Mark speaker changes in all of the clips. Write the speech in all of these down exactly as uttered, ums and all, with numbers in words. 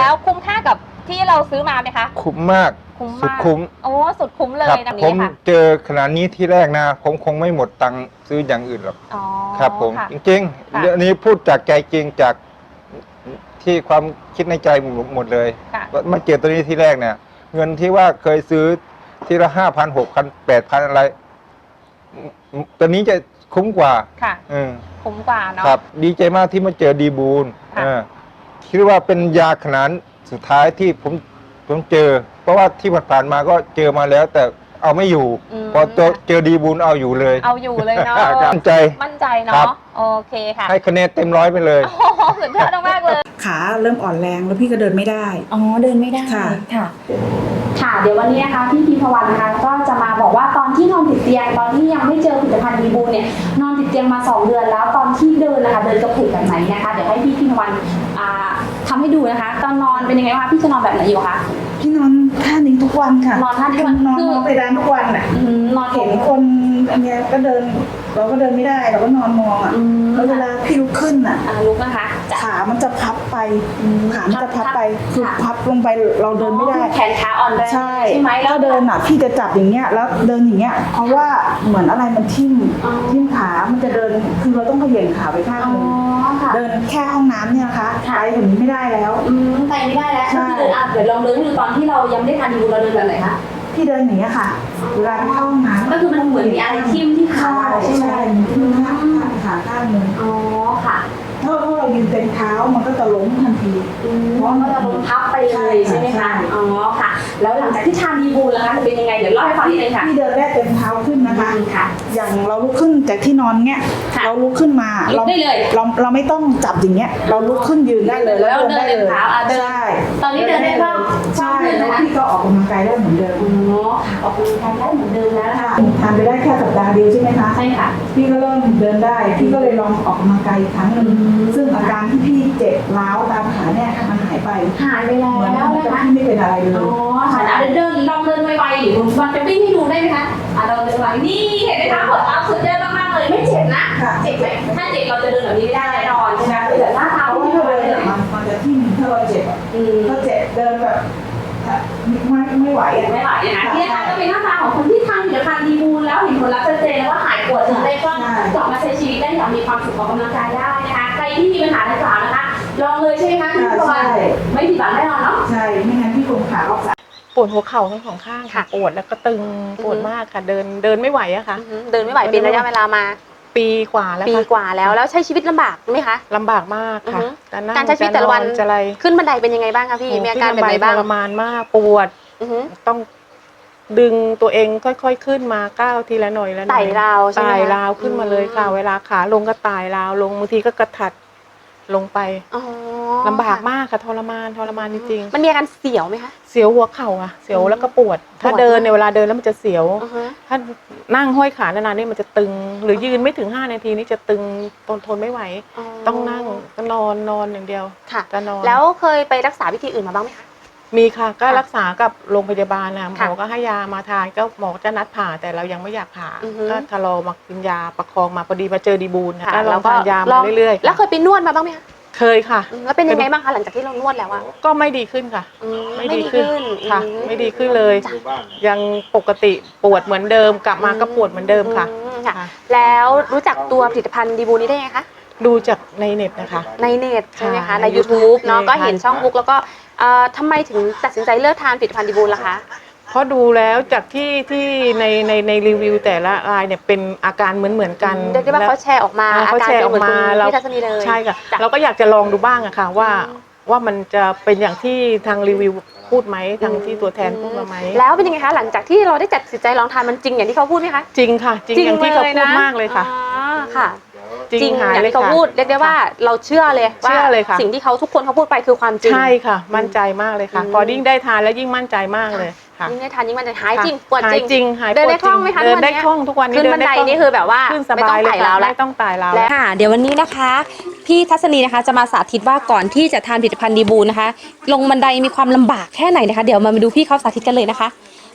Speaker 1: แล้วคุ้มค่ากับที่เราซื้อมาไหมคะ
Speaker 2: คุ้มมาก
Speaker 1: คุ้ม
Speaker 2: สุด
Speaker 1: มาก
Speaker 2: คุ้ม
Speaker 1: โอ้สุดคุ้มเลยนะ
Speaker 2: ผม
Speaker 1: นี้ค่ะ
Speaker 2: เจอขนาดนี้ที่แรกนะผมคงไม่หมดตังค์ซื้ออย่างอื่นหรอกครับผมจริงๆเรื่องนี้พูดจากใจจริงจากที่ความคิดในใจหมดเลยมาเจอตัวนี้ที่แรกเนี่ยเงินที่ว่าเคยซื้อทีละห้าพันหกพันแปดพันอะไรตัวนี้จะคุ้มกว่า
Speaker 1: ค่ะคุ้มกว่าเนาะ
Speaker 2: ครับดีใจมากที่มาเจอดีบูลคิดว่าเป็นยาขนาดสุดท้ายที่ผมผมเจอเพราะว่าที่ผ่านมาก็เจอมาแล้วแต่เอาไม่อยู่พอเจอดีบูลเอาอยู่เลย
Speaker 1: เอาอยู่เลยเนาะ
Speaker 2: มั่นใจ
Speaker 1: มั่นใจเนาะโอเคค่ะ
Speaker 2: ให้คะแนนเต็มร้อยไปเลย
Speaker 1: สุดยอดมากเลย
Speaker 3: ขาเริ่มอ่อนแรงแล้วพี่ก็เดินไม่ได้
Speaker 1: อ๋อเดินไม่ได้
Speaker 3: ค่ะ
Speaker 1: ค่ะ
Speaker 4: ค่ะเดี๋ยววันนี้นะคะพี่พิมพวันนะคะก็จะมาบอกว่าตอนที่นอนติดเตียงตอนที่ยังไม่เจอผลิตภัณฑ์ดีบูเนี่ยนอนติดเตียงมาสองเดือนแล้วตอนที่เดินนะคะเดินกระเพกแบบไหนนะคะเดี๋ยวให้พี่พิมพวันทำให้ดูนะคะตอนนอนเป็นยังไงคะพี่จะนอนแบบไหนอยู่คะ
Speaker 3: พี่นอนท่านี้ทุกวันค่ะ
Speaker 4: นอนท่านี้ทุกวัน
Speaker 3: นอนไปร้านทุกวันอ่ะ
Speaker 4: นอน
Speaker 3: เห็นคนอันนี้ก็เดินเราก็เดินไม่ได้เราก็นอนมองอ่ะแล้วเวลาพี่ลุกขึ้นอ่ะ
Speaker 4: ลุกนะคะ
Speaker 3: ขามันจะพับไปขามันจะพับไปคือพับลงไปเราเดินไม่ได้
Speaker 4: แขนขาอ่อนแรง
Speaker 3: ใช่ใช่ไหมแล้วเดินอ่ะพี่จะจับอย่างเงี้ยแล้วเดินอย่างเงี้ยเพราะว่าเหมือนอะไรมันทิ่มทิ่มขามันจะเดินคือเราต้องเขย่งขาไปข้างนึงเดินแค่ห้องน้ำเนี่ยนะคะไปถึงไม่ได้แล้ว
Speaker 4: ไปไม่ได้แล้วคือเดินอ่ะเดี๋ยวลองเดินดูตอนที่เรายังไม่ทานดีบูเราเดินแบบไหนคะ
Speaker 3: พี่เดินอย่างเงี้ยค่ะเวลาเข้าห้องน้ำ
Speaker 4: ก็คือมันเหมือนมีอะไรทิ่มที่ขา
Speaker 3: ใช่ไหมทิ่มข้างขาข้างนึง
Speaker 4: อ๋อค่ะ
Speaker 3: ถ้าเรายืนเต็มเท้ามันก็จะล้มทันที
Speaker 4: เพราะมันจะล้มทับไปเลยใช่ไหมคะอ๋อค่ะแล้วหลังจากที่ทานดีบูแล้วคะจะเป็นยังไงเดี๋ยวเล่าให้ฟังนิดนึงค่ะ
Speaker 3: พี่เดินแรกเต็มเท้าขึ้นนะคะ
Speaker 4: ค่ะ
Speaker 3: อย่างเราลุกขึ้นจากที่นอนเงี้ยเราลุกขึ้นมา
Speaker 4: เราได้เลย
Speaker 3: เราเราไม่ต้องจับอย่างเงี้ยเราลุกขึ้นยืนได้เลย
Speaker 4: แล้วเดินเต็มเท้าใช่ตอนนี้เดินได้บ้าง
Speaker 3: ใช่แล้วพี่ก็ออกกำลังกายได้เหมือนเดิม
Speaker 4: อ๋อออกกำลังกายได้เหมือนเดิมแล้วนะคะ
Speaker 3: ทานไปได้แค่สัปดาห์เดียวใช่ไหมคะ
Speaker 4: ใช่ค่ะ
Speaker 3: พี่ก็เริ่มเดินได้พี่ก็เลยลองออกกำลังกายอีกครั้งหนึ่งซึ่งอาการที่พี่เจ็บร้าวตามขาเนี่ยมันหายไป
Speaker 4: หายไปแล้ว
Speaker 3: นะคะพี่ไม่เป็นอะไรเลย
Speaker 4: อ๋อค่ะเดินลองเดินไวๆหรือมันจะวิ่งให้ดูได้ไหมคะอ่ะเราเดินไวนี่เห็นไหมคะหัวเท้าสุดยอดมากๆเลยไม่เจ็บนะเจ็บไหมถ้าเจ็บเราจะเดินแบบนี้ไม่ได้แน่นอนใช่ไหมแต่หน้าเท้า
Speaker 3: ที่เราเดินมันมันจะทิ่มถ้าเราเจ็บถ้าเจ็บเดินแบบไม่ไม่ไหว
Speaker 4: ไม่ไหวนะคะที่นะคะก็เป็นหน้าตาของคนที่ทานผลิตภัณฑ์ดีบูลแล้วเห็นผลลัพธ์ชัดเจนแล้วว่าหายปวดถึงได้ก็กลับมาใช้ชีวิตได้อย่างมีความสุขออกกำลังกายได้นะคะใครที่มีปัญหาดังกล่าวนะคะลองเลยใช่ไหมคะพี่ประวันไม่ผิดหวังแน่นอนเนาะ
Speaker 3: ใช่ไม่งั้นพี่คงขาออก
Speaker 5: ปวดหัวเข่าทั้งสองข้างค่ะปวดแล้วก็ตึงปวดมากค่ะเดินเดินไม่ไหวอะค่ะ
Speaker 1: เดินไม่ไหวเป็นระยะเวลามา
Speaker 5: ปีกว่าแล้ว
Speaker 1: ปีกว่าแล้วแล้วใช้ชีวิตลำบากไหมคะ
Speaker 5: ลำบากมากค่ะ
Speaker 1: การใช้ชีวิตแต่ละวันขึ้นบันไดเป็นยังไงบ้างคะพี่มีอาการแบบไหนบ้าง
Speaker 5: ทรมานมากปวดต้องดึงตัวเองค่อยๆขึ้นมาก้าวทีละหน่อยละหน่อย
Speaker 1: ไต่ราวใช่ไหม
Speaker 5: ไต่ราวขึ้นมาเลยค่ะเวลาขาลงก็ไต่ราวลงบางทีก็กระถัดลงไปลำบากมากค่ะทรมานทรมานจริง
Speaker 1: ๆมันมีอาการเสียวไหมคะ
Speaker 5: เสียวหัวเข่าอะเสียวแล้วก็ปวดถ้าเดินในเวลาเดินแล้วมันจะเสียวถ้านั่งห้อยขานานๆนี่มันจะตึงหรือยืนไม่ถึงห้านาทีนี่จะตึงทนทนไม่ไหวต้องนั่งก็นอนนอนอย่างเดียว
Speaker 1: จะนอนแล้วเคยไปรักษาวิธีอื่นมาบ้างไหมคะ
Speaker 5: มีค่ะก็รักษากับโรงพยาบาลนะหมอก็ให้ยามาทานก็หมอจะนัดผ่าแต่เรายังไม่อยากผ่าก็ทะลอมากินยาประคองมาพอดีมาเจอดีบูลนะก็ลองทานยามาเรื่อยๆ
Speaker 1: แล้วเคยไปนวดมาบ้างไหมคะ
Speaker 5: เคยค่ะ
Speaker 1: แล้วเป็นยังไงบ้างคะหลังจากที่เรานวดแล้วอะ
Speaker 5: ก็ไม่ดีขึ้นค่ะไม่ดีขึ้นค่ะไม่ดีขึ้นเลยยังปกติปวดเหมือนเดิมกลับมาก็ปวดเหมือนเดิมค่ะ
Speaker 1: แล้วรู้จักตัวผลิตภัณฑ์ดีบูนี้ได้ไงคะ
Speaker 5: ดูจากในเน็ตนะคะ
Speaker 1: ในเน็ตใช่ไหมคะใน ยูทูบ เนาะก็เห็นช่องบุ๊กแล้วก็ทำไมถึงตัดสินใจเลิกทานผลิตภัณฑ์ดีบูล่ะคะ
Speaker 5: เพราะดูแล้วจากที่ที่ในในในรีวิวแต่ละรายเนี่ยเป็นอาการเหมือนเหมือนกัน
Speaker 1: เรียกได้ว่าเขาแชร์ออกมา
Speaker 5: เขาแชร์ออกมา
Speaker 1: ที่ทัศนีเลย
Speaker 5: ใช่ค่ะเราก็อยากจะลองดูบ้างอะค่ะว่าว่ามันจะเป็นอย่างที่ทางรีวิวพูดไหมทางที่ตัวแทนพูดมาไหม
Speaker 1: แล้วเป็นยังไงคะหลังจากที่เราได้จัดสินใจลองทานมันจริงอย่างที่เขาพูดไหมคะ
Speaker 5: จริงค่ะจริงอย่างที่เขาพูดมากเลยค่ะ
Speaker 1: ค่ะจริงอย่างที่เขาพูดเรียกได้ว่าเราเชื่อเลยว่าสิ่งที่เขาทุกคนเขาพูดไปคือความจริง
Speaker 5: ใช่ค่ะมั่นใจมากเลยค่ะพอยิ่งได้ทานแล้วยิ่งมั่นใจมากเลย
Speaker 1: ยิ่งได้ทานยิ่งมันจะหายจริงปวด
Speaker 5: จริง
Speaker 1: เดินได้คล่องไหมคะ
Speaker 5: เดินได้คล่องทุกวันนี้
Speaker 1: ขึ้นบันไดนี่คือแบบว่า
Speaker 5: ไม่ต้องไต่ราวแล้วไม่ต้องไต่ราว
Speaker 1: แล้วค่ะเดี๋ยววันนี้นะคะพี่ทัศนีนะคะจะมาสาธิตว่าก่อนที่จะทานผลิตภัณฑ์ดีบูนะคะลงบันไดมีความลำบากแค่ไหนนะคะเดี๋ยวมาดูพี่เขาสาธิตกันเลยนะคะ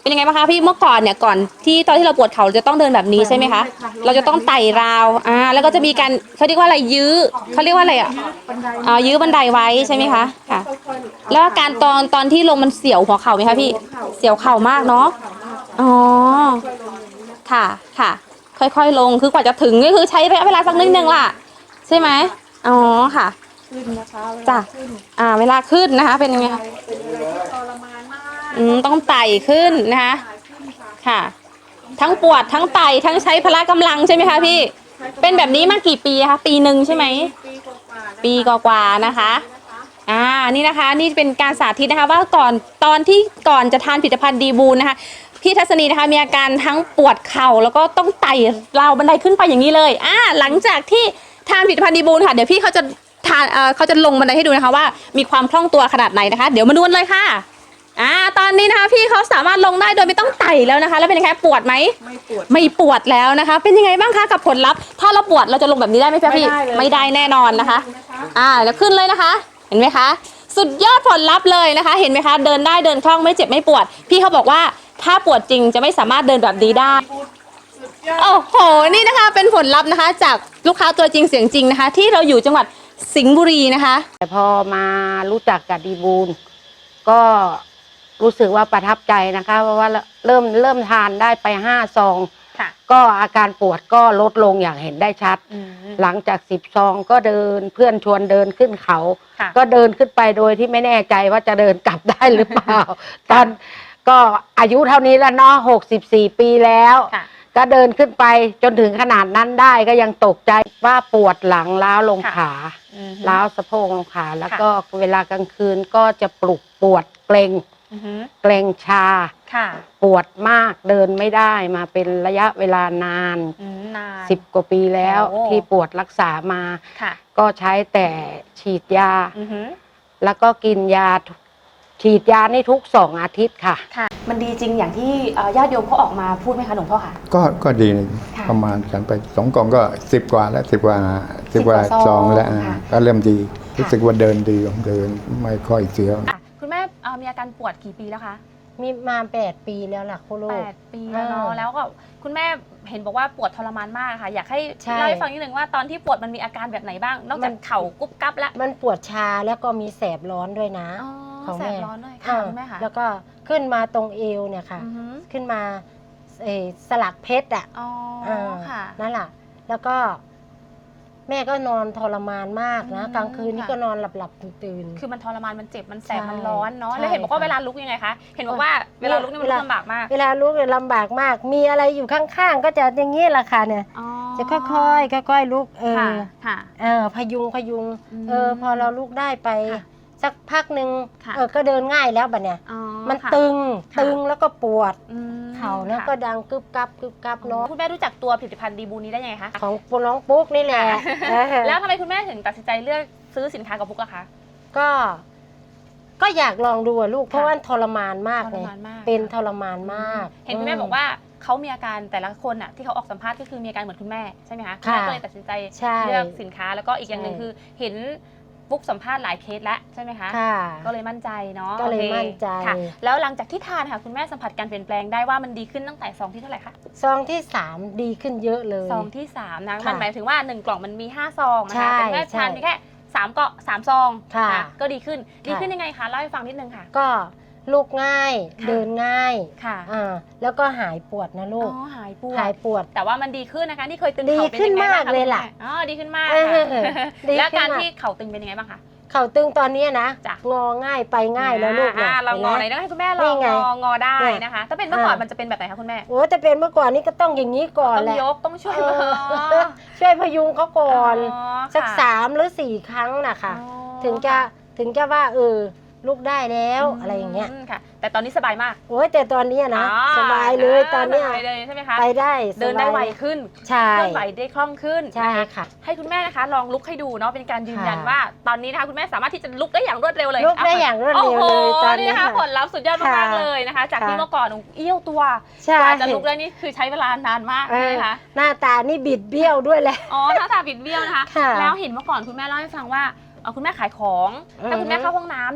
Speaker 1: เป็นยังไงบ้างคะพี่เมื่อก่อนเนี่ยก่อนที่ตอนที่เราปวดเข่าเราจะต้องเดินแบบนี้ใช่ไหมคะเราจะต้องไต่ราวอ่าแล้วก็จะมีการเขาเรียกว่าอะไรยื้อเขาเรียกว่าอะไรอ่ะอ่ายื้อบันไดไว้ใช่ไหมคะค่ะแล้วอาการตอนตอนที่ลงมันเสียวหัวเข่าไหมคะพี่เสียวเข่ามากเนาะอ๋อค่ะค่ะค่อยๆลงคือกว่าจะถึงก็คือใช้ระยะเวลาสักนิดนึงล่ะใช่ไหมอ๋อค่ะจ้ะอ่าเวลาขึ้นนะคะเป็นยังไงคะอืมต้องไต่ขึ้นนะคะค่ะทั้งปวดทั้งไต่ทั้งใช้พละกำลังใช่ไหมคะพี่เป็นแบบนี้มากี่ปีคะปีหนึ่งใช่ไหมปีกว่าๆนะคะอ่านี่นะคะนี่เป็นการสาธิตนะคะว่าก่อนตอนที่ก่อนจะทานผลิตภัณฑ์ดีบูนนะคะพี่ทัศนีนะคะมีอาการทั้งปวดเข่าแล้วก็ต้องไต่ราวบันไดขึ้นไปอย่างนี้เลยอ่าหลังจากที่ทานผลิตภัณฑ์ดีบูนค่ะเดี๋ยวพี่เขาจะทานเอ่อเขาจะลงบันไดให้ดูนะคะว่ามีความคล่องตัวขนาดไหนนะคะเดี๋ยวมาดูกันเลยค่ะอ่าตอนนี้นะคะพี่เขาสามารถลงได้โดยไม่ต้องไต่แล้วนะคะแล้วเป็นยังไงปวดไหมไม่ปวดไม่ปวดแล้วนะคะเป็นยังไงบ้างคะกับผลลัพธ์ถ้าเราปวดเราจะลงแบบนี้ได้ไหมพี่ไม่ได้แน่นอนนะคะอ่าแล้วขึ้นเลยนะคะเห็นไหมคะสุดยอดผลลัพธ์เลยนะคะเห็นไหมคะเดินได้เดินคล่องไม่เจ็บไม่ปวดพี่เขาบอกว่าถ้าปวดจริงจะไม่สามารถเดินแบบนี้ได้โอ้โหนี่นะคะเป็นผลลัพธ์นะคะจากลูกค้าตัวจริงเสียงจริงนะคะที่เราอยู่จังหวัดสิงห์บุรีนะคะ
Speaker 6: แต่พอมารู้จักกับดีบูลก็รู้สึกว่าประทับใจนะคะเพราะว่าเริ่มเริ่มทานได้ไปห้าซองก็อาการปวดก็ลดลงอย่างเห็นได้ชัดหลังจากสิบซองก็เดินเพื่อนชวนเดินขึ้นเขาก็เดินขึ้นไปโดยที่ไม่แน่ใจว่าจะเดินกลับได้หรือเปล่าตอนก็อายุเท่านี้แล้วเนาะหกสิบสี่ปีแล้วก็เดินขึ้นไปจนถึงขนาดนั้นได้ก็ยังตกใจว่าปวดหลังล้าวลงขาล้าวสะโพกลงขาแล้วก็เวลากลางคืนก็จะปลุกปวดเกร็งเกร็งชาปวดมากเดินไม่ได้มาเป็นระยะเวลานานสิบกว่าปีแล้วที่ปวดรักษามาก็ใช้แต่ฉีดยาแล้วก็กินยาฉีดยานี่ทุกสองอาทิตย์ค่ะ
Speaker 1: มันดีจริงอย่างที่ญาติโยมเขาออกมาพูดไหมคะหลวงพ่อคะ
Speaker 7: ก็ก็ดีประมาณฉันไปสองกล่องก็สิบกว่าแล้วสิบกว่าสิบกว่าซองแล้วก็เริ่มดีรู้สึกว่าเดินดีเดินไม่ค่อยเสียว
Speaker 1: คุณแม่มีอาการปวดกี่ปีแล้วคะ
Speaker 6: มีมาแปดปีแล้วล่ะคุณลูก
Speaker 1: แปดปีแล้วเนาะแล้วก็คุณแม่เห็นบอกว่าปวดทรมานมากค่ะอยากให้เล่าให้ฟังนิดนึงว่าตอนที่ปวดมันมีอาการแบบไหนบ้างนอกจากเข่ากุ๊บกั๊บแล้ว
Speaker 6: มันปวดชาแล้วก็มีแสบร้อนด้วยนะ
Speaker 1: ของแสบร้อนด้วยค่ะคุณแม่ค่ะ
Speaker 6: แล้วก็ขึ้นมาตรงเอวเนี่ยค่ะขึ้นมาสลักเพชรอ่ะ
Speaker 1: อ๋อค่ะ
Speaker 6: นั่นแหละแล้วก็แม่ก็นอนทรมานมากนะกลางคืนนี่ก็นอนหลับหลับตื่นตื่น
Speaker 1: คือมันทรมานมันเจ็บมันแสบมันร้อนเนาะแล้วเห็นบอกว่าเวลาลุกยังไงคะเห็นบอกว่าเวลาลุกนี่มันลำบากมาก
Speaker 6: เวลาลุกเนี่ยลำบากมากมีอะไรอยู่ข้างๆก็จะอย่างนี้แหละค่ะเนี่ยจะค่อยๆค่อยๆลุกเออเออพยุงพยุงเออพอเราลุกได้ไปสักพักหนึ่งเออก็เดินง่ายแล้วบัดเนี่ยมันตึงตึงแล้วก็ปวดเข่าแล้วก็ดังกึบกับกึบกับเนาะ
Speaker 1: คุณแม่รู้จักตัวผลิตภัณฑ์ดีบูนี้ได้ยังไงคะ
Speaker 6: ของน้องปุ๊กนี่แหละ
Speaker 1: แล้วทำไมคุณแม่ถึงตัดสินใจเลือกซื้อสินค้ากับปุ๊กอะคะ
Speaker 6: ก็ก็อยากลองดูลูกเพราะว่าทรมานมากเลยเป็นทรมานมาก
Speaker 1: เห็นคุณแม่บอกว่าเขามีอาการแต่ละคนอะที่เขาออกสัมภาษณ์ก็คือมีอาการเหมือนคุณแม่ใช่ไหมคะคุณแม่ก็เลยตัดสินใจเลือกสินค้าแล้วก็อีกอย่างหนึ่งคือเห็นปุ๊กสัมภาษณ์หลายเคสแล้วใช่ไหมคะก็เลยมั่นใจเนาะ
Speaker 6: ก็เลยมั่นใจ
Speaker 1: แล้วหลังจากที่ทานค่ะคุณแม่สัมผัสการเปลี่ยนแปลงได้ว่ามันดีขึ้นตั้งแต่ซองที่เท่าไหร่คะ
Speaker 6: ซองที่สามดีขึ้นเยอะเลย
Speaker 1: ซองที่สามนะมันหมายถึงว่าหนึ่งกล่องมันมีห้าซองนะคะแต่แม่ทานแค่สามเกาะสามซองก็ดีขึ้นดีขึ้นยังไงคะเล่าให้ฟังนิดนึงค่ะ
Speaker 6: ก็ลุกง่ายเดินง่ายค่ะอ่าแล้วก็หายปวดนะลูก
Speaker 1: อ๋อหายปวด
Speaker 6: หายปวด
Speaker 1: แต่ว่ามันดีขึ้นนะคะที่เคยตึง
Speaker 6: เข่าเป็นยังไงบ้างคะเลยล่ะ
Speaker 1: อ๋อดีขึ้นมากแล้วการที่เข่าตึงเป็นยังไงบ้างคะ
Speaker 6: เข่าตึงตอนนี้นะงอง่ายไปง่ายแล้วลูก
Speaker 1: นะเรางอไหนต้องให้คุณแม่ลองงองอได้นะคะถ้าเป็นเมื่อก่อนมันจะเป็นแบบไหนคะคุณแม่
Speaker 6: โอ้จะเป็นเมื่อก่อนนี่ก็ต้องอย่างนี้ก่อนแหละ
Speaker 1: ต้องยกต้องช่วย
Speaker 6: ช่วยพยุงเขาก่อนสักสามหรือสี่ครั้งนะคะถึงจะถึงจะว่าเออลุกได้แล้วอะไรอย่างเงี้ย
Speaker 1: ค่ะแต่ตอนนี้สบายมาก
Speaker 6: โอ้ยแต่ตอนนี้นะสบายเลยตอนนี้
Speaker 1: ใช่ไหมคะ
Speaker 6: ไปได้
Speaker 1: เดินได้ไวขึ้น
Speaker 6: ใช่
Speaker 1: เคลื่อนไหวได้คล่องขึ้น
Speaker 6: ใช่ค่ะ
Speaker 1: ให้คุณแม่นะคะลองลุกให้ดูเนาะเป็นการยืนยันว่าตอนนี้นะคะคุณแม่สามารถที่จะลุกได้อย่างรวดเร็วเลย
Speaker 6: ลุกได้อย่างรวดเร็วเลยตอนนี้
Speaker 1: นะคะผลลัพธ์สุดยอดมากเลยนะคะจากที่เมื่อก่อนเอี้ยวตัวกว่าจะลุกได้นี่คือใช้เวลานานมากนะคะ
Speaker 6: หน้าตานี่บิดเบี้ยวด้วยแหละ
Speaker 1: อ๋อหน้าตาบิดเบี้ยวนะคะแล้วเห็นเมื่อก่อนคุณแม่เล่าให้ฟังว่าคุณแม่ขายของถ้าคุณแม่เข้าห้องน้ำเนี่ย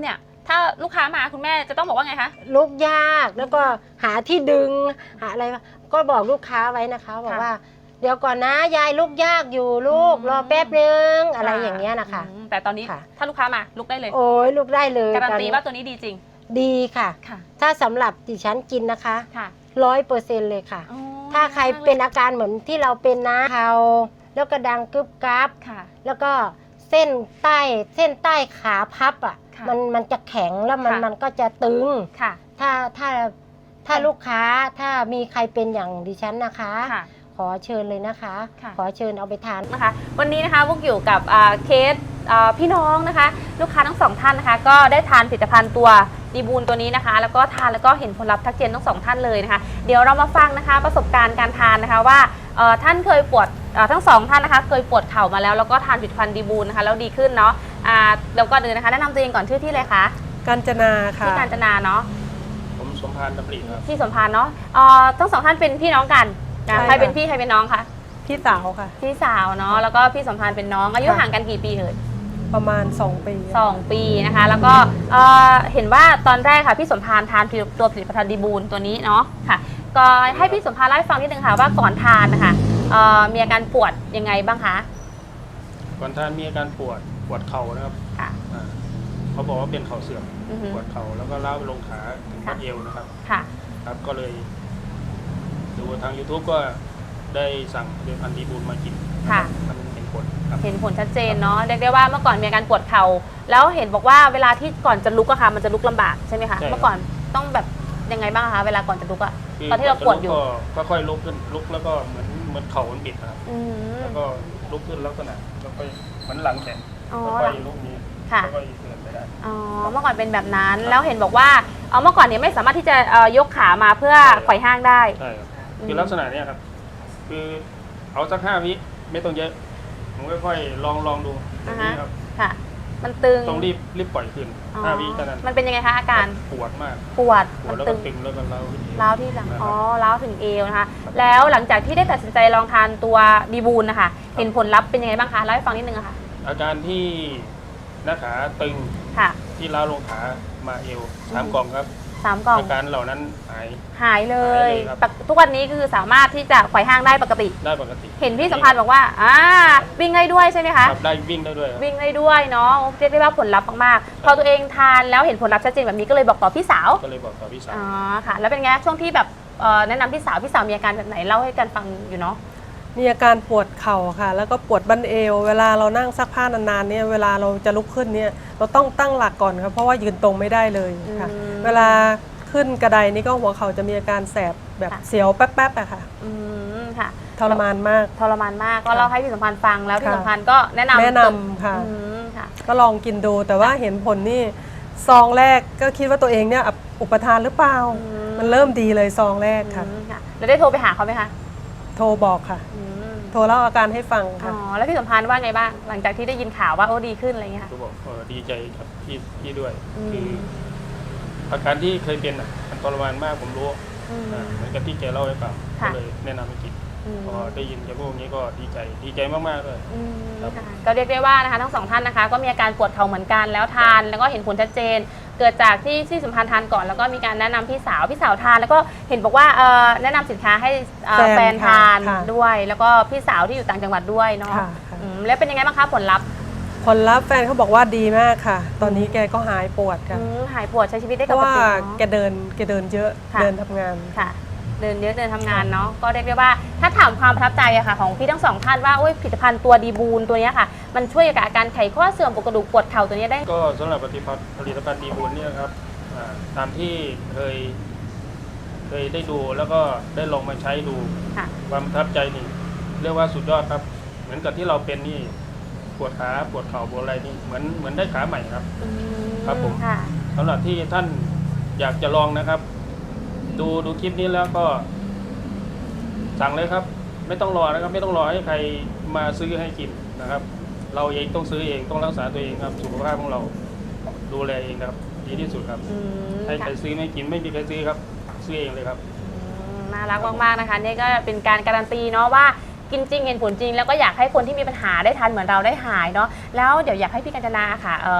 Speaker 1: ถ้าลูกค้ามาคุณแม่จะต้องบอกว่าไงคะ
Speaker 6: ลุกยากแล้วก็หาที่ดึงหาอะไรก็บอกลูกค้าไว้นะคะบอกว่าเดี๋ยวก่อนนะยายลุกยากอยู่ลูกรอแป๊บนึงอะไรอย่างเงี้ยนะคะ
Speaker 1: อืมแต่ตอนนี้
Speaker 6: ค่ะ
Speaker 1: ถ้าลูกค้ามาลุกได้เลย
Speaker 6: โอ้ยลุกได้เลย
Speaker 1: การันตี
Speaker 6: ตอ
Speaker 1: ว่าตัวนี้ดีจริง
Speaker 6: ดีค่ะ
Speaker 1: ค่ะ
Speaker 6: ถ้าสำหรับดิฉันกินนะคะ
Speaker 1: ค่ะ
Speaker 6: ร้อยเปอร์เซ็นต์เลยค่ะ
Speaker 1: อ๋อ
Speaker 6: ถ้าใครเป็นอาการเหมือนที่เราเป็นนะเขาแล้วก็ดังกึบกับ
Speaker 1: ค่ะ
Speaker 6: แล้วก็เส้นใต้เส้นใต้ขาพับอ่ะ
Speaker 1: ค่ะ
Speaker 6: มันมันจะแข็งแล้วมัน
Speaker 1: ค่ะ
Speaker 6: มันก็จะตึง
Speaker 1: ค่ะ
Speaker 6: ถ้าถ้าถ้าลูกค้าถ้ามีใครเป็นอย่างดิฉันนะคะ
Speaker 1: ค่ะ
Speaker 6: ขอเชิญเลยนะคะ
Speaker 1: ค่ะ
Speaker 6: ขอเชิญเอาไปทาน
Speaker 1: นะคะวันนี้นะคะพวกอยู่กับอ่าเคสอ่าพี่น้องนะคะ ลูกค้าทั้งสองท่านนะคะ ก็ได้ทานผลิตภัณฑ์ตัวดีบูลตัวนี้นะคะ แล้วก็ทานแล้วก็เห็นผลลัพธ์ทักเจนทั้งสองท่านเลยนะคะ เดี๋ยวเรามาฟังนะคะประสบการณ์การทานนะคะว่าเอ่อท่านเคยปวดเอ่อทั้งสองท่านนะคะ เคยปวดเข่ามาแล้วแล้วก็ทานผลิตภัณฑ์ดีบูลนะคะแล้วดีขึ้นเนาะอ่าแล้วก็เดินนะคะแนะนำตัวเองก่อนชื่อที่เลยคะ
Speaker 5: กาญจนาค่ะ
Speaker 1: ที่กาญจนาเนาะ
Speaker 8: ผมสมพานดำริครับ
Speaker 1: ที่สมพานเนาะเอ่อทั้งสองท่านเป็นพี่น้องกันนะ
Speaker 5: ใช่
Speaker 1: ใครเป็น
Speaker 5: ค่ะ
Speaker 1: พี่ใครเป็นน้องคะ
Speaker 5: พี่สาวค่ะ
Speaker 1: พี่สาวเนาะแล้วก็พี่สมพานเป็นน้องอายุ
Speaker 5: ค่ะ
Speaker 1: ห่างกันกี่ปีเอ่ย
Speaker 5: ประมาณสองปี
Speaker 1: สองปีนะคะ แล้วก็เอ่อเห็นว่าตอนแรกค่ะพี่สมพานทานตัวผลิตภัณฑ์ดีบูลตัวนี้เนาะค่ะก็ให้พี่สมพานเล่าให้ฟังนิดนึงค่ะว่าก่อนทานนะคะเอ่อมีอาการปวดยังไงบ้างคะ
Speaker 8: ก่อนท่านมีอาการปวดปวดเข่านะครับ
Speaker 1: ค่ะ
Speaker 8: อ่าเขาบอกว่าเป็นเข่าเสื่อม
Speaker 1: อือฮึ
Speaker 8: ปวดเข่าแล้วก็ล้าวไปลงขาถึง
Speaker 1: ค่ะ
Speaker 8: บัดเอวนะครับ
Speaker 1: ค่ะ
Speaker 8: ครับก็เลยดูทาง YouTube ก็ได้สั่งเดือนพันธีบูลมากิน
Speaker 1: ค่ะ
Speaker 8: มันเห็นผลครับ
Speaker 1: เห็นผลชัดเจนเนาะเรียกได้ว่าเมื่อก่อนมีอาการปวดเข่าแล้วเห็นบอกว่าเวลาที่ก่อนจะลุกอะค่ะมันจะลุกลำบากใช่ไหมคะ
Speaker 8: ใช่ครับ
Speaker 1: เมื่อก่อนต้องแบบยังไงบ้างคะเวลาก่อนจะลุกอะ
Speaker 8: คื
Speaker 1: ตอนที่เราปวดอยู่
Speaker 8: ก็ค่อยๆลุกขึ้นลุกแล้วก็เหมือนเหมือนเข่ามันบิดนะครับ
Speaker 1: อืม
Speaker 8: แล้วก็ลุกขึ้นลักษณะแล้วก็เหมือนหลังแข็ง
Speaker 1: อ๋อ
Speaker 8: ค่อยๆลุกนี้
Speaker 1: ค่ะ
Speaker 8: แล้วก็เดินไปได้
Speaker 1: อ๋อเมื่อก่อนเป็นแบบนั้นแล้วเห็นบอกว่าเอ่อเมื่อก่อนเนี่ยไม่สามารถที่จะเอ่อยกขามาเพื่อไขว่ห้างได้
Speaker 8: ใช่ครับ
Speaker 1: อืม
Speaker 8: คือลักษณะเนี้ยครับ คือเอาสักห้าวิไม่ต้องเยอะผมค่อยๆลองลองดูอย่างนี้ครับ
Speaker 1: ค่ะ มันตึง
Speaker 8: ต้องรีบรีบปล่อยขึ้น
Speaker 1: อ๋อ
Speaker 8: ห้าวิเท่านั้น
Speaker 1: มันเป็นยังไงคะอาการ
Speaker 8: ปวดมาก
Speaker 1: ปวด
Speaker 8: ปว
Speaker 1: มั
Speaker 8: ด
Speaker 1: น
Speaker 8: แล้ว
Speaker 1: ตึ
Speaker 8: ก็
Speaker 1: ง
Speaker 8: ตึงแล้วก็เล้าขึ้น
Speaker 1: ร้าวที่หลัง
Speaker 8: นะครับ
Speaker 1: อ๋อร้าวถึงเอวนะคะ แล้วหลังจากที่ได้ตัดสินใจลองทานตัวดีบูลนะคะเห็นผลลัพธ์เป็นยังไงบ้างคะเล่าให้ฟังนิดนึงอะค่ะ
Speaker 8: อาการที่หน้าขาตึง
Speaker 1: ค่ะ
Speaker 8: ที่เล้าวลงขามาเอวสามกล่องครับ
Speaker 1: สามกล่อง
Speaker 8: อาการเหล่านั้นหาย
Speaker 1: หายเลย
Speaker 8: หายเลยครับ
Speaker 1: ปกทุกวันนี้คือสามารถที่จะไขว่ห้างได้ปกติ
Speaker 8: ได้ปกติ
Speaker 1: เห็นพี่สัมพันธ์บอกว่าอ่าวิ่งได้ด้วยใช่ไหมคะ
Speaker 8: ครับได้วิ่งได้ด้วยครับ
Speaker 1: วิ่งได้ด้วยเนาะเรียกได้ว่าผลลัพธ์มากๆพอตัวเองทานแล้วเห็นผลลัพธ์ชัดเจนแบบนี้ก็เลยบอกต่อพี่สาว
Speaker 8: ก็เลยบอกกับพี่สาว
Speaker 1: อ๋อค่ะ แล้วเป็นไงช่วงที่แบบเอ่อแนะนำพี่สาวพี่สาวมีอาการแบบไหนเล่าให้กันฟังอยู่เนาะ
Speaker 5: มีอาการปวดเข่าค่ะ แล้วก็ปวดบั้นเอว เวลาเรานั่งซักผ้านานๆเนี่ยเวลาเราจะลุกขึ้นเนี่ยเราต้องตั้งหลักก่อนครับเพราะว่ายืนตรงไม่ได้เลยค่ะ
Speaker 1: อืม
Speaker 5: เวลาขึ้นกระไดนี่ก็หัวเข่าจะมีอาการแสบแบบ
Speaker 1: ค่ะ
Speaker 5: เสียวแป๊บๆอะค่ะ
Speaker 1: อืมค่ะ
Speaker 5: ทรมานมาก
Speaker 1: ทรมานมากก็เล่าให้พี่สัมพันธ์ฟังแล้วพี่
Speaker 5: ค่ะ
Speaker 1: สัมพันธ์ก็แนะนำ
Speaker 5: แนะนำค่ะ
Speaker 1: อืมค่ะ
Speaker 5: ก็ลองกินดูแต่ว่าเห็นผลนี่ซองแรกก็คิดว่าตัวเองเนี่ยอุปทานหรือเปล่า
Speaker 1: อืม
Speaker 5: มันเริ่มดีเลยซองแรกค่ะ
Speaker 1: อืมค่ะแล้วได้โทรไปหาเขาไหมคะ
Speaker 5: โทรบอกค่ะ
Speaker 1: อืม
Speaker 5: โทรเล่าอาการให้ฟัง
Speaker 1: อ๋
Speaker 5: ค่ะ
Speaker 1: อแล้วพี่สัมพันธ์ว่าไงบ้างหลังจากที่ได้ยินข่าวว่าโอ้ดีขึ้นอะไรเงี้ยค่ะ
Speaker 8: ก็บอกเออดีใจกับพี่พี่ด้วย
Speaker 1: อืม
Speaker 8: คืออาการที่เคยเป็นอ่ะมันทรมานมากผมรู้
Speaker 1: อืม
Speaker 8: อ่าเหมือนกับที่แกเล่าให้ฟัง
Speaker 1: ค่ะ
Speaker 8: ก็เลยแนะนำให้กิน
Speaker 1: อืม
Speaker 8: พอได้ยินแกพูดอย่างนี้ก็ดีใจดีใจมากๆเลย
Speaker 1: อืม
Speaker 8: ครับ
Speaker 1: ค่ะก็เรียกได้ว่านะคะทั้งสองท่านนะคะ ก็มีอาการปวดเข่าเหมือนกันแล้วทานแล้วก็เห็นผลชัดเจน เกิดจากที่ที่สัมพันธ์ทานก่อนแล้วก็มีการแนะนำพี่สาวพี่สาวทาน แล้วก็เห็นบอกว่าเอ่อแนะนำสินค้าให้เอ่อ
Speaker 5: แฟ
Speaker 1: แฟ
Speaker 5: น
Speaker 1: นทาน
Speaker 5: ค่ะ
Speaker 1: ด้วย แล้วก็พี่สาวที่อยู่ต่างจังหวัดด้วยเนาะ
Speaker 5: ค่ะค่ะ
Speaker 1: อืมแล้วเป็นยังไงบ้างคะผลลัพธ์
Speaker 5: ผลลัพธ์แฟนเขาบอกว่าดีมากค่ะ ตอนนี้แกก็หายปวดค่ะ
Speaker 1: อืมหายปวดใช้ชีวิตได้
Speaker 5: เพ
Speaker 1: ป
Speaker 5: ราะ
Speaker 1: ก
Speaker 5: ว่า
Speaker 1: ติ
Speaker 5: แก
Speaker 1: เนาะ
Speaker 5: เดินแกเดินเยอะ
Speaker 1: ค่ะ
Speaker 5: เดินทำงาน
Speaker 1: ค่ะ เดินเยอะเดินทำงานเนาะก็เรียกได้ว่าถ้าถามความประทับใจอะค่ะของพี่ทั้งสองท่านว่าโอ้ยผลิตภัณฑ์ตัวดีบูลตัวเนี้ยค่ะ มันช่วยกับอาการไขข้อเสื่อมปวดกระดูกปวดเข่าตัวเนี้ยได้
Speaker 8: ก็สำหรับผลิตภัณฑ์ผลิตภัณฑ์ดีบุญเนี่ยครับอ่าตามที่เคย เคยได้ดูแล้วก็ได้ลองมาใช้ดู
Speaker 1: ค่ะ
Speaker 8: ความประทับใจนี่เรียกว่าสุดยอดครับ เหมือนกับที่เราเป็นนี่ปวดขาปวดเข่าปวดอะไรนี่เหมือนเหมือนได้ขาใหม่ครับ
Speaker 1: อืม
Speaker 8: ครับผม
Speaker 1: ค่ะ
Speaker 8: สำหรับที่ท่านอยากจะลองนะครับ ดูดูคลิปนี้แล้วก็ สั่งเลยครับ ไม่ต้องรอนะครับ ไม่ต้องรอให้ใครมาซื้อให้กินนะครับ เราเองต้องซื้อเองต้องรักษาตัวเองครับ สุขภาพของเราดูแลเองครับ ดีที่สุดครับ
Speaker 1: อืม
Speaker 8: ให้ใคร
Speaker 1: ค่ะ
Speaker 8: ซื้อไม่กินไม่มีใครซื้อครับ ซื้อเองเลยครับ
Speaker 1: อืมน่ารักมากๆนะคะนี่ก็เป็นการการันตีเนาะว่ากินจริงเห็นผลจริง แล้วก็อยากให้คนที่มีปัญหาได้ทานเหมือนเราได้หายเนาะแล้วเดี๋ยวอยากให้พี่กัญจนาค่ะเอ่อ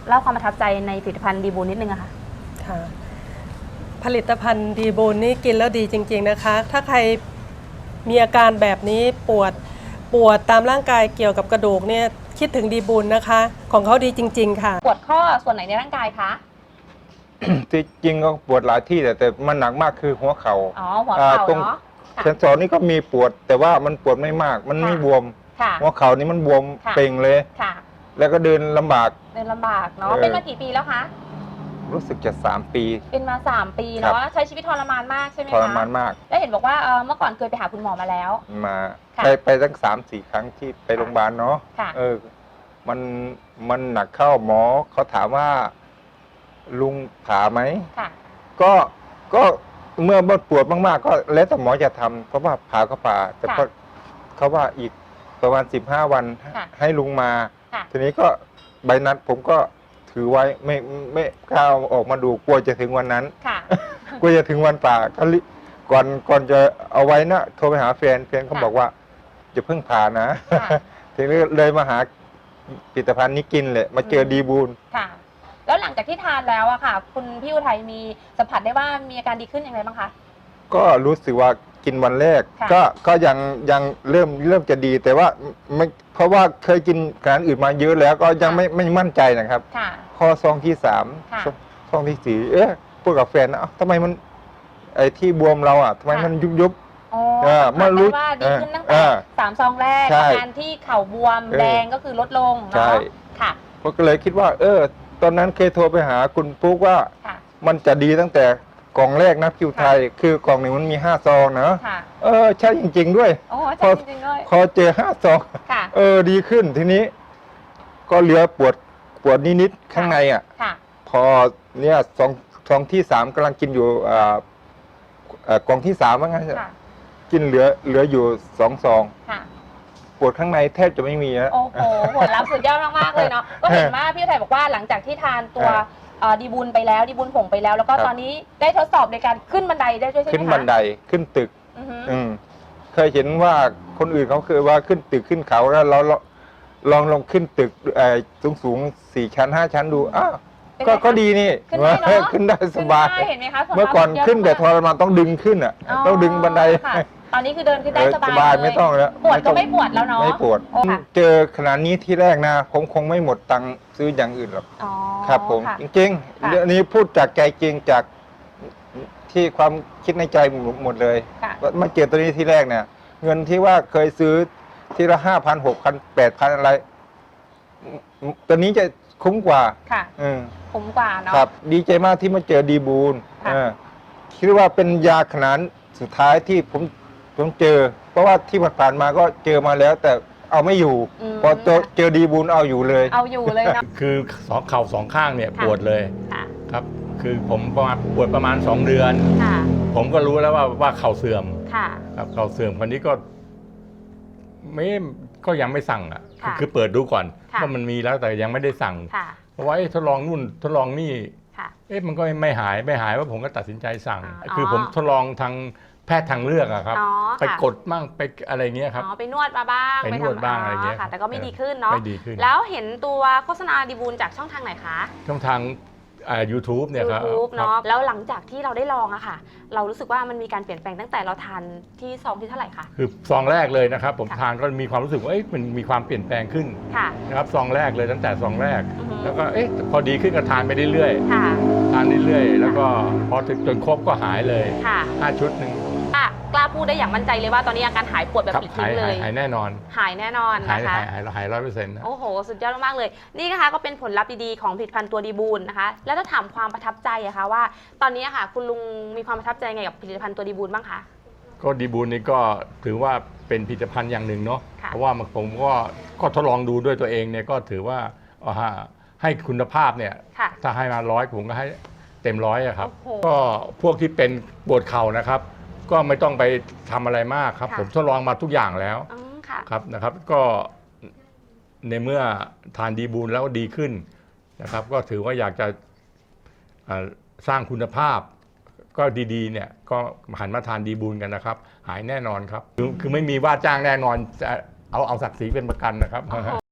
Speaker 1: เล่าความประทับใจในผลิตภัณฑ์ดีบูนนิดนึงอะค่ะ
Speaker 9: ค่ะผลิตภัณฑ์ดีบูนนี่กินแล้วดีจริงๆนะคะ ถ้าใครมีอาการแบบนี้ปวดปวดตามร่างกายเกี่ยวกับกระดูกเนี่ยคิดถึงดีบูนนะคะ ของเขาดีจริงๆค่ะ
Speaker 1: ปวดข้อส่วนไหนในร่างกายคะ
Speaker 2: ที่จริงก็ปวดหลายที่แต่แต่มันหนักมากคือหัวเขา
Speaker 1: อ๋อหัวเข่า
Speaker 2: ตรง
Speaker 1: เนาะค่ะ
Speaker 2: เซนสอนนี่ก็มีปวด แต่ว่ามันปวดไม่มาก มันไม่บวม
Speaker 1: ค่ะ
Speaker 2: หัวเข่านี่มันบวม
Speaker 1: ค่ะ
Speaker 2: เป่งเลย
Speaker 1: ค่ะ
Speaker 2: แล้วก็เดินลำบาก
Speaker 1: เดินลำบากเนาะ
Speaker 2: เออ
Speaker 1: เป็นมากี่ปีแล้วคะ
Speaker 2: รู้สึกจะสามปี
Speaker 1: เป็นมาสามปี
Speaker 2: ครั
Speaker 1: เนาะ
Speaker 2: บ
Speaker 1: ใช้ชีวิตทรมานมากใช่ไหม
Speaker 2: ท
Speaker 1: คะ
Speaker 2: รมานมาก
Speaker 1: แล้วเห็นบอกว่าเอ่อเมื่อก่อนเคยไปหาคุณหมอมาแล้ว
Speaker 2: มา
Speaker 1: ค่ะ
Speaker 2: ไปไปตั้งสามสี่ครั้งที่ไปโรงพยาบาลเนาะ
Speaker 1: ค่ะ
Speaker 2: เออ มันมันหนักเข้าหมอเขาถามว่า ลุงผ่าไหม
Speaker 1: ค่ะ
Speaker 2: ก็ก็เมื่อมันปวดมากๆ ก็แล้วแต่หมอจะทำเพราะว่าผ่าก็ผ่า แต่
Speaker 1: ค่ะ
Speaker 2: ก็เขาว่าอีกประมาณสิบห้าวัน
Speaker 1: ค่ะ
Speaker 2: ให้ลุงมา
Speaker 1: ค่ะ
Speaker 2: ทีนี้ก็ใบนัดผมก็ถือไว้ไม่ไม่กล้าเอาออกมาดูกลัวจะถึงวันนั้น
Speaker 1: ค่ะ
Speaker 2: กลัวจะถึงวันป่าก็รีก่อนก่อนจะเอาไว้นะโทรไปหาแฟนแฟนเขา
Speaker 1: ค่ะ
Speaker 2: บอกว่าจะเพิ่งผ่านะ
Speaker 1: ค่ะ
Speaker 2: ทีนี้เลยมาหาผลิตภัณฑ์นี้กินเลยมาเจอดีบูล
Speaker 1: ค่ะ แล้วหลังจากที่ทานแล้วอะค่ะ คุณพี่อุทัยมีสัมผัสได้ว่ามีอาการดีขึ้นอย่างไรบ้างคะ
Speaker 2: ก็รู้สึกว่ากินวันแรก
Speaker 1: ค่ะ
Speaker 2: ก็ก็ยังยังเริ่มเริ่มจะดีแต่ว่าไม่เพราะว่าเคยกินอาหารอื่นมาเยอะแล้วก็ยังไม่ไม่มั่นใจนะครับ
Speaker 1: ค่ะ
Speaker 2: พอซองที่สาม
Speaker 1: ค่ะ
Speaker 2: ซองซองที่สี่เอ๊ะพูดกับแฟนนะเอ้าทำไมมันไอ้ที่บวมเราอ่ะทำไม
Speaker 1: ค่ะ
Speaker 2: มันยุบยุบ
Speaker 1: อ๋อ
Speaker 2: เออ
Speaker 1: สัมผัส
Speaker 2: เมื่อรู้
Speaker 1: ได้ว่าดีขึ้นตั้ง
Speaker 2: เอ
Speaker 1: แต่
Speaker 2: อ
Speaker 1: สามซองแรก
Speaker 2: ใช่
Speaker 1: อาการที่เข่าบวม
Speaker 2: เออ
Speaker 1: แดงก็คือลดลง
Speaker 2: ใช่
Speaker 1: เนาะค่ะ
Speaker 2: ก็เลยคิดว่า เออ ตอนนั้นเคยโทรไปหาคุณปุ๊กว่า
Speaker 1: ค่ะ
Speaker 2: มันจะดีตั้งแต่กล่องแรกนะคิวไทย คือกล่องหนึ่งมันมีห้าซองนะ
Speaker 1: ค่ะ
Speaker 2: เออใช่จริง ๆ ด้วย
Speaker 1: โอ้
Speaker 2: พ
Speaker 1: ใช่
Speaker 2: อ
Speaker 1: จริงๆเลย
Speaker 2: พอเจอห้าซอง
Speaker 1: ค่ะ
Speaker 2: เออดีขึ้นทีนี้ ก็เหลือปวดปวดนิดๆข้างในอ่ะ
Speaker 1: ค่ะ
Speaker 2: พอเนี่ยซองซองที่สามกำลังกินอยู่อ่าเอ่อกล่องที่สามว่างั้น
Speaker 1: ค่ะ
Speaker 2: กินเหลือเหลืออยู่สองซอง
Speaker 1: ค่ะ
Speaker 2: ปวดข้างในแทบจะไม่มีแล้ว
Speaker 1: โอ้โหผลลัพธ์สุดยอดมากๆเลยเนาะ ก็เห็นว่าพี่อุทัยบอกว่าหลังจากที่ทานตัว
Speaker 2: ครับ
Speaker 1: เอ่อดีบุญไปแล้วดีบุญผงไปแล้ว แล้วก็
Speaker 2: ครับ
Speaker 1: ตอนนี้ได้ทดสอบในการขึ้นบันไดได้ด้วยใช่ไหมคะ
Speaker 2: ขึ้นบันไดขึ้นตึก
Speaker 1: อือฮึ
Speaker 2: อืมเคยเห็นว่าคนอื่นเขาเคยว่าขึ้นตึกขึ้นเขาแล้วเราเราลองลองขึ้นตึกสูงสูงๆสี่ชั้นห้าชั้นดูอ้าว
Speaker 1: เป็น
Speaker 2: ก็
Speaker 1: ไงคะ
Speaker 2: ก็ดีนี่
Speaker 1: ขึ้นได้เนอะ
Speaker 2: ขึ้นได้สบาย
Speaker 1: ขึ้นได้เห็นไหมคะส่ว
Speaker 2: เมื่อก่อน
Speaker 1: มาก
Speaker 2: ขึ้นแต่
Speaker 1: เย
Speaker 2: ท
Speaker 1: อะ
Speaker 2: รมานต้องดึงขึ้นอ่ะ ต้องดึงบันได
Speaker 1: ค่ะตอนนี้คือเดินขึ้นได้
Speaker 2: เออ
Speaker 1: สบาย
Speaker 2: สบาย
Speaker 1: เลย
Speaker 2: ไม่ต้องแล้ว
Speaker 1: ปวดก็
Speaker 2: ต้อง
Speaker 1: ไม่ปวดแล้วเนาะ
Speaker 2: ไม่ปวด
Speaker 1: โอ้ค่ะ
Speaker 2: เจอขนาดนี้ที่แรกนะผมคงไม่หมดตังค์ซื้ออย่างอื่นหรอก
Speaker 1: อ๋อ
Speaker 2: ครับผม
Speaker 1: ค่ะ
Speaker 2: จริง
Speaker 1: ค่ะ
Speaker 2: ๆเรื่องนี้พูดจากใจจริงจากที่ความคิดในใจหมดเลย
Speaker 1: ค่ะ
Speaker 2: ว่ามาเจอตัวนี้ที่แรกเนี่ย เงินที่ว่าเคยซื้อทีละห้าพันหกพันแปดพันอะไรอืมตัวนี้จะคุ้มกว่า
Speaker 1: ค่ะ
Speaker 2: อืม
Speaker 1: ผมกว่าเนาะ
Speaker 2: ครับ ดีใจมากที่มาเจอดีบูล
Speaker 1: ค่ะ
Speaker 2: เออคิดว่าเป็นยาขนาดสุดท้ายที่ผมผมเจอ เพราะว่าที่ผ่านๆมาก็เจอมาแล้ว แต่เอาไม่อยู่
Speaker 1: ม
Speaker 2: พอเจอเจอดีบูลเอาอยู่เลย
Speaker 1: เอาอยู่เลยเนาะ
Speaker 10: คือสองเข่าสองข้างเนี่ย
Speaker 1: ค่ะ
Speaker 10: ปวดเลย
Speaker 1: ค่ะ
Speaker 10: ครับ คือผมประมาณปวดประมาณสองเดือน
Speaker 1: ค่ะ
Speaker 10: ผมก็รู้แล้วว่าว่าเข่าเสื่อม
Speaker 1: ค่ะ
Speaker 10: ครับเข่าเสื่อมคนนี้ก็ไม่ก็ยังไม่สั่งอ่ะ
Speaker 1: ค่ะ
Speaker 10: คือเปิดดูก่อน
Speaker 1: ค่ะ
Speaker 10: ว่ามันมีแล้วแต่ยังไม่ได้สั่ง
Speaker 1: ค่ะ
Speaker 10: เพราะว่าเอ๊ะทดลองนู่นทดลองนี่
Speaker 1: ค่ะ
Speaker 10: เอ๊ะมันก็ไม่หายไม่หายว่าผมก็ตัดสินใจสั่ง
Speaker 1: อ๋อ
Speaker 10: คือผมทดลองทางแพทย์ทางเลือกอะครับ
Speaker 1: อ๋อ
Speaker 10: ไป
Speaker 1: ค่ะ
Speaker 10: กดบ้างไปอะไรเงี้ยครับ
Speaker 1: อ๋อไปนวดมาบ้าง
Speaker 10: ไปนวด
Speaker 1: ทำ
Speaker 10: บ้างอะไรเงี้ย
Speaker 1: ค่ะ แต่ก็ไม่
Speaker 10: เออ
Speaker 1: ดีขึ้นเนาะ
Speaker 10: ไม่ดีขึ้น
Speaker 1: แล้วเห็นตัวโฆษณาดีบูลจากช่องทางไหนคะ
Speaker 10: ช่องทางอ่า YouTube เนี่ยครับ
Speaker 1: YouTube
Speaker 10: ครับ
Speaker 1: เนาะแล้วหลังจากที่เราได้ลองอะค่ะ เรารู้สึกว่ามันมีการเปลี่ยนแปลงตั้งแต่เราทานที่ซองที่เท่าไหร่คะ
Speaker 10: คือซองแรกเลยนะครับ ผม
Speaker 1: ค่ะ
Speaker 10: ทานก็มีความรู้สึกว่าเอ๊ะมันมีความเปลี่ยนแปลงขึ้น
Speaker 1: ค่ะ
Speaker 10: นะครับซองแรกเลยตั้งแต่ซองแรก
Speaker 1: อือฮึ
Speaker 10: แล้วก็เอ๊ะพอดีขึ้นก็ทานไปเรื่อย
Speaker 1: ค่ะ
Speaker 10: ๆทานเรื่อยๆแล้วก็พอถึงจนครบก็หายเลย
Speaker 1: ค่ะ
Speaker 10: ห้าชุดหนึ่ง
Speaker 1: อ่ะกล้าพูดได้อย่างมั่นใจเลยว่าตอนนี้อาการหายปวดแบบ
Speaker 10: ครับ
Speaker 1: ปลิด
Speaker 10: หา
Speaker 1: ทิ้
Speaker 10: ย
Speaker 1: งเล
Speaker 10: หาย
Speaker 1: ย
Speaker 10: หายแน่นอน
Speaker 1: หายแน่นอน
Speaker 10: หาย
Speaker 1: นะคะ
Speaker 10: หายหายหายร้อยเปอร์เซ็นต์นะ
Speaker 1: โอ้โห สุดยอดมากๆเลย นี่นะคะก็เป็นผลลัพธ์ดีๆของผลิตภัณฑ์ตัวดีบูลนะคะ แล้วถ้าถามความประทับใจอะคะว่า ตอนนี้อะค่ะ คุณลุงมีความประทับใจไงกับผลิตภัณฑ์ตัวดีบูลบ้างคะ
Speaker 10: ก็ดีบูลนี่ก็ถือว่าเป็นผลิตภัณฑ์อย่างหนึ่งเนาะ
Speaker 1: ค่ะ
Speaker 10: เพราะว่าผมก็ก็ทดลองดูด้วยตัวเองเนี่ยก็ถือว่าเอาฮะให้คุณภาพเนี่ย
Speaker 1: ค่ะ
Speaker 10: ถ้าให้มาร้อยผมก็ให้เต็มร้อยอะครับ
Speaker 1: โอ้โห
Speaker 10: ก็พวกที่เป็นปวดเข่านะครับ ก็ไม่ต้องไปทำอะไรมากครับ
Speaker 1: ค่ะ
Speaker 10: ผมทดลองมาทุกอย่างแล้ว
Speaker 1: อืมค่ะ
Speaker 10: ครับนะครับ ก็ในเมื่อทานดีบูลแล้วดีขึ้นนะครับ ก็ถือว่าอยากจะอ่าสร้างคุณภาพ ก็ดีๆเนี่ยก็หันมาทานดีบูลกันนะครับ หายแน่นอนครับ คือคือไม่มีว่าจ้างแน่นอนจะเอาเอาศักดิ์ศรีเป็นประกันนะครับ